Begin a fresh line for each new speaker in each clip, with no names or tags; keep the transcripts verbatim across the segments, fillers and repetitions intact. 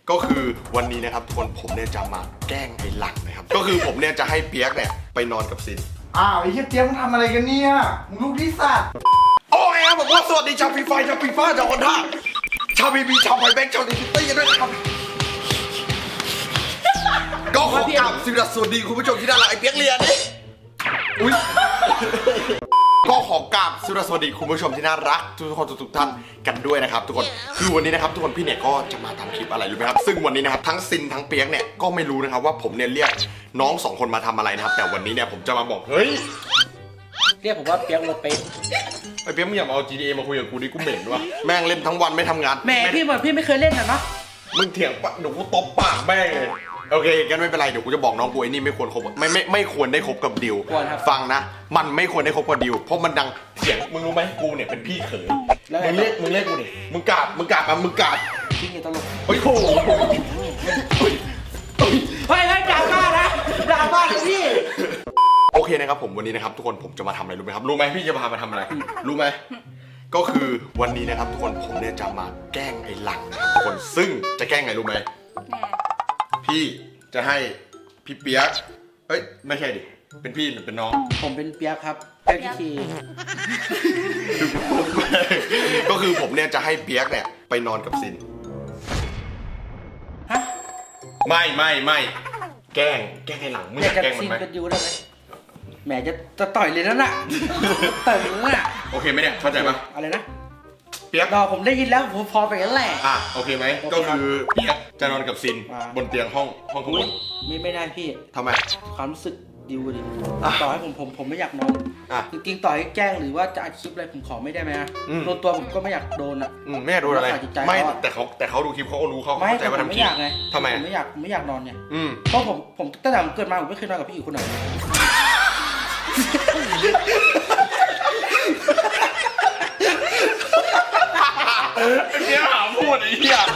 ก็คือวันนี้นะครับทุกคนผมเนี่ยจะมาแกล้งไอ้หลังนะครับก็คือผมเนี่ยจะให้เปียกเนี่ยไปนอนกับซิน
อ้าวไอ้เหี้ยเจี๊ยบมึงทำอะไรกันเนี่ยมึงลูกที่สัตว์
โอ้ยครับผมว่าสวัสดีชาวฟีไฟชาวฟีฟ้าชาวคอนท่าชาวบีบีชาวไฟแบงค์ชาวดิจิตี้ด้วยนะครับก็ขอกราบสวัสดีคุณผู้ชมที่น่ารักไอ้เปียกเรียนนี่อุ้ยก็ขอกราบสวัสดีคุณผู้ชมที่น่ารักทุกคนทุกท่านกันด้วยนะครับทุกคนคือวันนี้นะครับทุกคนพี่เนี่ยก็จะมาทำคลิปอะไรรู้ไหมครับซึ่งวันนี้นะครับทั้งซินทั้งเปียกเนี่ยก็ไม่รู้นะครับว่าผมเนี่ยเรียกน้องสองคนมาทำอะไรนะครับแต่วันนี้เนี่ยผมจะมาบอกเฮ้ย
เรียกผมว่าเปียกโรเป๊ะ
ไอ้เปียกมึงอย่ามาเอา จี ที เอ มาคุยกับกูดิกูเหม็นวะแม่งเล่นทั้งวันไม่ทำงาน
แหมพี่เหมือนพี่ไม่เคยเล่นนะเนาะ
มึงเถียงปะเดี๋ยวกูตบปากแม่งเลยโอเคกันไม่เป็นไรเดี๋ยวกูจะบอกน้องกูไอ้นี่ไม่ควรคบไม่ไม่ไม่ควรได้คบกับดิวฟังนะมันไม่ควรได้คบกับดิวเพราะมันดังเถียงมึงรู้ไหมกูเนี่ยเป็นพี่เขยมึงเรียกมึงเรียกกูดิมึงกราบมึงกราบมามึงกราบ
พี่นี่ตลก
เฮ้ยโอ้โห
เฮ้ยเฮ้ยด่าบ้านะด่าบ้าเลยพี่
โอเคนะครับผมวันนี้นะครับทุกคนผมจะมาทำอะไรรู้ไหมครับรู้ไหมพี่จะพามาทำอะไรรู้ไหมก็คือวันนี้นะครับทุกคนผมเนี่ยจะมาแกล้งไอ้หลังนะครับทุกคนซึ่งจะแกล้งไงรู้ไหมพี่จะให้พี่เปียกเอ้ยไม่ใช่ดิเป็นพี่หรือเป็นน้อง
ผมเป็นเปียกครับเปียกที
ก็คือผมเนี่ยจะให้เปียกเนี่ยไปนอนกับซิน
ฮะ
ไม่ไม่ไม่แกล้งแกล้งไอ้หลังมึงอยากแกล้งมันไหม
ซินกันยูได้ไหมแหมจะจะต่อยเลยนั่นน่ะต่อยเลยน่ะ
โอเคไหมเนี่ยเข้าใจปะ
อะไรนะ
เปียก
รอผมได้ยินแล้วผมพอไปกันแหละ
อ่ะโอเคไหมก็คือเปียกจะนอนกับซินบนเตียงห้องห้องข้างบน
ไม่ไม่ได้พี่
ทำไม
ความรู้สึกดิวดิต่อให้ผมผมผมไม่อยากนอนจริงๆต่อให้แกล้งหรือว่าจะอัดคลิปอะไรผมขอไม่ได้ไหมนะโดนตัวผมก็ไม่อยากโดนอ่ะ
ไม่อยากโดนอะไรไม่แต่เขาแต่เขาดูคลิปเขาก็รู้เขาเข้าใจว่าทำคลิปทำไม
ผมไม่อยากไม่อยากนอนเนี่ยเพราะผมผมตั้งแต่ผมเกิดมาผมไม่เคยนอนกับพี่อีกคนไหน
เนี้ยหาพูดไอ้เหี้ย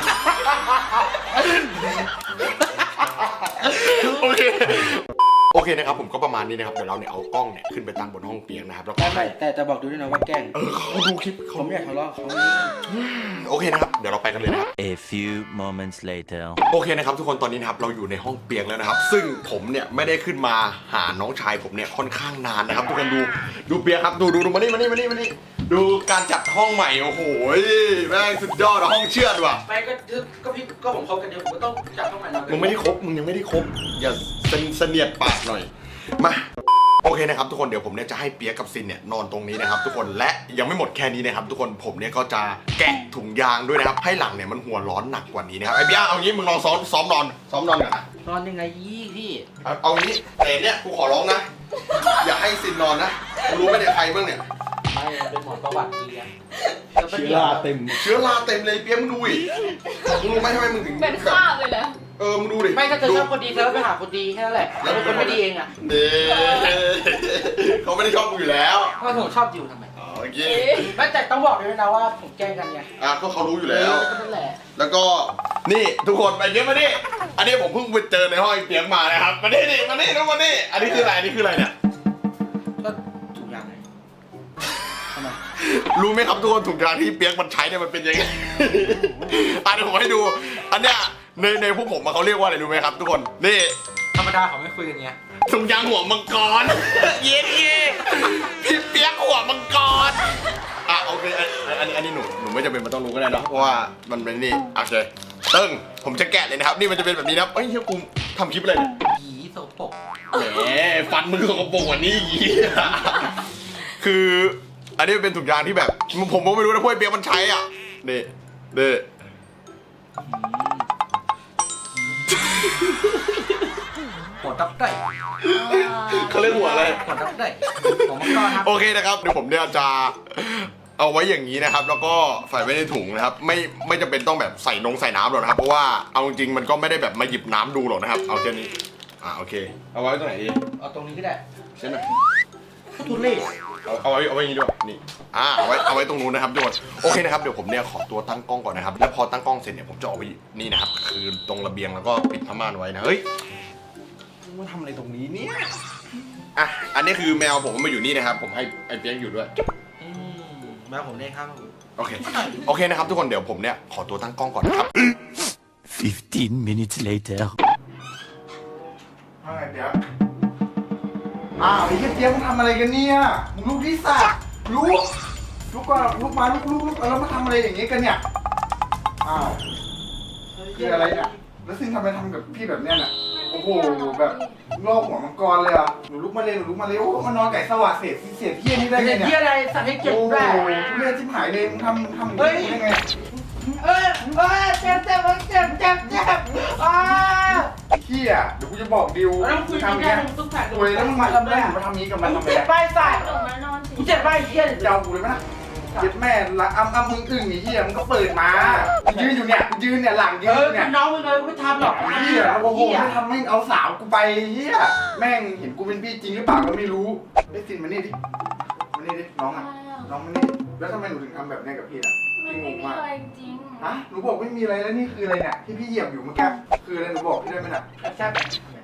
โอเคโอเคนะครับผมก็ประมาณนี้นะครับเดี๋ยวเราเนี่ยเอากล้องเนี่ยขึ้นไปตั้งบนห้องเตียงนะครับแล้วก็
ไม่แต่แต่บอกดูด้วยนะว่าแกล้ง
เออเขาดูคลิป
ผมไม่อยากทะเลาะเขา
โอเคนะครับเดี๋ยวเราไปกันเลยนะครับ
A few moments later
โอเคนะครับทุกคนตอนนี้นะครับเราอยู่ในห้องเตียงแล้วนะครับซึ่งผมเนี่ยไม่ได้ขึ้นมาหาน้องชายผมเนี่ยค่อนข้างนานนะครับทุกคนดูดูเปียกครับดูดูดูมานี่มานี่มานี่มานี่ดูการจัดห้องใหม่โอ้โหแม่งสุดยอดห้องเชื่อดว่ะ
ไปก็ก็พี่ก็ผมคบกันเดียวผมก็ต้องจัดห้องใหม่หน่อย
มึงไม่ได้คบมึงยังไม่ได้คบอย่าเสนียดปากหน่อยมาโอเคนะครับทุกคนเดี๋ยวผมเนี่ยจะให้เปียกกับซินเนี่ยนอนตรงนี้นะครับทุกคนและยังไม่หมดแค่นี้นะครับทุกคนผมเนี่ยก็จะแกะถุงยางด้วยนะครับให้หลังเนี่ยมันหัวร้อนหนักกว่านี้นะครับไอ้เปียกเอางี้มึงลองซ้อมซ้อมนอนซ้อมนอนก่อนนะ
นอนยังไงยี่พี่
เอางี้แต่เนี่ยกูขอร้องนะอย่าให้ซินนอนนะรู้ไหมเนี่ยใครบ้างเนี่ย
ไม่เป็นหมอนประวัติดีอะ
เชื้อราเต็ม
เชื้อราเต็มเลยเปียกมึงดูดิมึงรู้ไหมทำไมมึงถึง
เป็นข้าวเลยเหรอ
เออมึงดูดิ
ไม่ถ้าเธอชอบคนดีเธอก็ไปหาคนดีแค่นั้นแหละแล้วคนไม่ดีเองอ่ะ
เด้เขาไม่ได้ชอบมึงอยู่แล้ว
เพราะผมชอบดิวทำไม
โอเค
ไม่แต่ต้องบอกด้วยนะว่าผมแกล้งกันไง
อ่ะก็เขารู้อยู่แล้ว
นั่นแหละ
แล้วก็นี่ทุกคนไปเยอะมาดิอันนี้ผมเพิ่งไปเจอในห้องเตียงมานะครับมาดิดิมาดิน้องมาดิอันนี้คืออะไรอันนี้คืออะไรเนี่ย
ก็ถุงยางไงทำไม
รู้ไหมครับทุกคนถุงยางที่เปียกมันใช้เนี่ยมันเป็นยังไงอ่ะเดี๋ยวผมให้ดูอันเนี้ยในในพวกผมเขาเรียกว่าอะไรรู้ไหมครับทุกคนนี่
ธรรมดาเขาไม่คุยกันเงี้ย
ถุงยางหัวมังกรเย็นเย่พี่เปียกหัวมังกรอ่ะโอเคอันนี้อันนี้หนูหนูไม่จำเป็นมันต้องรู้ก็ได้เนาะเพราะว่ามันเป็นนี่โอเคตึ้งผมจะแกะเลยนะครับนี่มันจะเป็นแบบนี้นะเอ้ยเฮ้ยกูทำคลิปอะไรเนี่ย
หีโสปก
แหมฟันมือสกปรกกว่านี้หีคืออันนี้เป็นถุงยางที่แบบผมก็ไม่รู้นะพวกเปียกมันใช้อ่ะนี่เด้
หัวตับได้
เขาเรียกหัวอะไร
หัวตับได้ผมก็ครับ
โอเคนะครับเดี๋ยวผมเนี่ยจะเอาไว้อย่างนี้นะครับแล้วก็ใส่ไว้ในถุงนะครับไม่ไม่จำเป็นต้องแบบใส่นงใส่น้ำหรอกนะครับเพราะว่าเอาจริงมันก็ไม่ได้แบบมาหยิบน้ำดูหรอกนะครับเอาแค่นี้อ่าโอเคเอาไว้ตรงไหนดี
เอาตรงนี้ก็ได้
ใช่ไหม
ทุเรศ
เอาไว้เอาไว้อย่างนี้ด้วยนี่อ่าเอาไว้เอาไว้ตรงนู้นนะครับทุกคนโอเคนะครับเดี๋ยวผมเนี่ยขอตัวตั้งกล้องก่อนนะครับแล้วพอตั้งกล้องเสร็จเนี่ยผมจะเอาไว้นี่นะครับคือตรงระเบียงแล้วก็ปิดผ้าม่านไว้นะเฮ้ยมาทำอะไรตรงนี้เนี่ยอ่ะอันนี้คือแมวผมมาอยู่นี่นะครับผมให้ไอ้เปี๊ยกอยู่ด้วย
แมวผมเองครับ
โอเคโอเคนะครับทุกคนเดี๋ยวผมเนี่ยขอตัวตั้งกล้องก่อนนะครับ
Fifteen minutes later.
ว่าไงเปียกอ้าวไอ้เหี้ยเปียกมึงทำอะไรกันเนี่ยมึงลูกที่สัตว์ลูกลูกก็ลูกมาลูกลูกลูกแล้วมาทำอะไรอย่างงี้กันเนี่ยอ้าวคืออะไรเนี่ยแล้วซึ่งทำไมทำกับพี่แบบเนี้ยน่ะโอ้โหแบบลอกหัวมังกรเลยอ่ะหนูลุกมาเลยหนูลุกมาเลยโอ้มานอนไก่สวัสดิ์เศษเศษเหี้ยนี่ได้ไง
เฮี
เนี่ย ย
อะไรสั่งให้เก็บ
โอ้โห
ได้
ทุเรศชิบหายเลยมึงทำทำอย่าง
เฮ้ย
นี้ได้ไง
เอ้ยเอ้ยเจ็บเจ็บเจ็บเจ็บเจ็บอ้า
เหี้ยเดี๋ยวกูจะบอกดิว
แล้วมึงคุย
ทำ
กัน
อย่าง
ได้
เงี้ย
มึงต้องแผล
โอ้ยแล้วมึงมาทำได้มึงมาทำนี้กับมัน
มึ
ทำ
ง
ไม
เจ็บ
อะ
ไปใส่
หนูมานอน
กูเจ็บไปเฮีย
จะเอากูเลยไหมนะเย็ดแม่ละอ้ำอ้ำมึงอึ้งไอ้เหี้ยมึงก็เปิดมากูยืนอยู่เนี่ยกูยืนเนี่ยหลังยื
เอน อ
อยู่เนี่ย
น้องมึงเลยไม่ทำหรอก
เหี้ยโอ้โหไม่ทำไม่เอาสาวกูไปเหี้ยแม่งเห็นกูเป็นพี่จริงหรือเปล่าก็ไม่รู้ไอ้สินมานี่ดิมานี่ดิน้องอ่ะน้องมานี่ดิแล้วทำไมหนูถึงทำแบบนี้กับพี่อ่ะ
มัน
พี่ง
ไม่
ง
มี
มาก
อะไรจริง
ฮะหนูบอกไม่มีอะไรแล้วนี่คืออะไรเนี่ยที่พี่เหยียบอยู่เมื่อกี้คืออะไรหนูบอกพี่ได้ไหมน่ะ
แซ่บ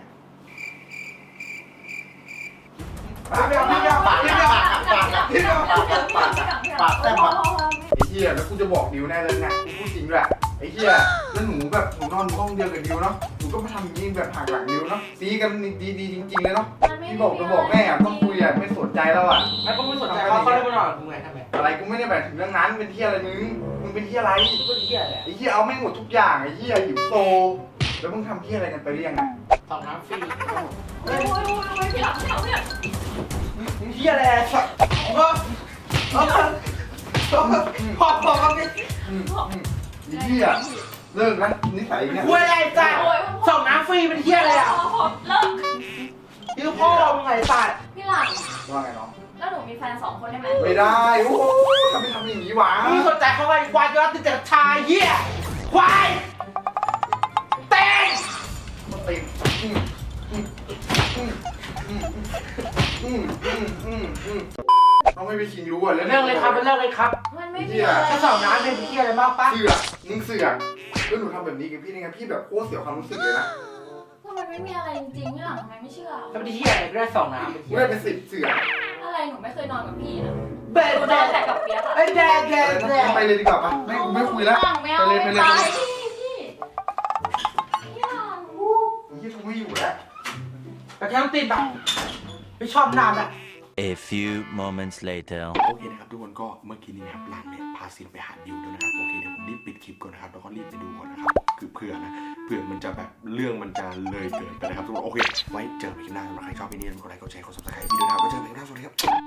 ปากปากปากปากปากปากปากปากปากแซ่บปากไอ้เหี้ยแล้วกูจะบอกดิวแน่เลยนะกูพูดจริงด้วยไอ้เหี้ยแล้วหนูแบบหนูนอนห้องเดียวกับดิวเนาะหนูก็มาทำยิงแบบห่างหลังดิวเนาะซีกันดีดีจริงๆเลยเนาะพี่บอกจะบอกแม่อะต้องคุยอะไม่สนใจแล้วอ่ะ
ไม่ก็ไม่สนใจเขาเขาเลยมานอนกูไงทำไม
อะไรกูไม่ได้แบบถึงเรื่องนั้นเป็นเหี้ยอะไรมึงมึงเป็นเหี้ยอะไร
กูก็เฮียแหละ
ไอ้เหี้ยเอาไม่งหมดทุกอย่างไอ้เหี้ยหิวโซแล้วมึงทำเหี้ยอะไรกันไปหรือยังไง
สองน้ำฟรี
โอ้ยโอ้ยโอ้ยพี่หลังพี่หลังพี่หลัง
เฮียแหละเออเออพอพอกันดิ
อืมอืมไอ้เหี้ยเลิกนะนิสัยเนี่ย
คุยอะไรจ้ะสองน้ำฟรีเป็นเฮียอะไรอ่ะ
เลิก
คือพ่อมึงไงสัตว์
พี่หลัง
ว่าไงน้อง
แล้วหนูมีแฟนสองคนได้ไหม
ไม่ได้โอ้โหทำไมทำอย่างนี้วะ
มึงสนใจเขาไงควายยอดติดแต่ชายเฮียควายเต้ง
มาติดอืมอืมอืมอืมอืมอืมอืมอืมน้องไม่ไปชิงรู้อ่ะแล้ว
เรื่องเลยครับเรื่องเลยครับ
มันไม่มีอะไร
แค่สองน้ำเป็นเฮียอะไรมากปะ
เสือกมึงเสือกแล้วหนูทำแบบนี้กับพี่ได้ไงพี่แบบโคตรเสียความรู้สึกเลยนะ
ก็มันไม่มีอะไรจริงๆพี่หลังทำไมไม่เชื่อ
แล้วเป็นเฮียอะไรก็ได้สองน้ำเป็น
กู
เฮีย
ได้เป็นสิบเสือก
อะไรหนูไม่เคยนอนกับพี่นะ
เบ็ด
หนูน
เบ็
อน
ด
แต่กับเปียกอะ
ไอ้แดดแดด
อะไร
แด
นะ
ด
ไปเลยดีกว่าปะไม่กูไม่คุยแล้ว
ไม่เอา
ไปเลยไป
ไม่
เลย
ไป
ไปเลย
พี่พี่พี่หลัง
ยี่กูไม่อยู่แล้ว
แต่แค่ต้องติดแบบไม่ชอบนานอ่ะ
A few moments later.
โอเคนะครับทุกคนก็เมื่อกี้นี้นะครับหลังเนี่ยพาซินไปหาดิวด้วยนะครับโอเคเดี๋ยวผมรีบปิดคลิปก่อนนะครับแล้วก็รีบไปดูก่อนนะครับคือเผื่อนะเผื่อมันจะแบบเรื่องมันจะเลยเกินไปนะครับทุกคนโอเคไว้เจอกันคลิปหน้าสำหรับใครชอบวิดีโอนี้กดไลค์กดแชร์กดซับสไครต์วิดีโอนะครับไว้เจอกันคลิปหน้าสวัสดีครับ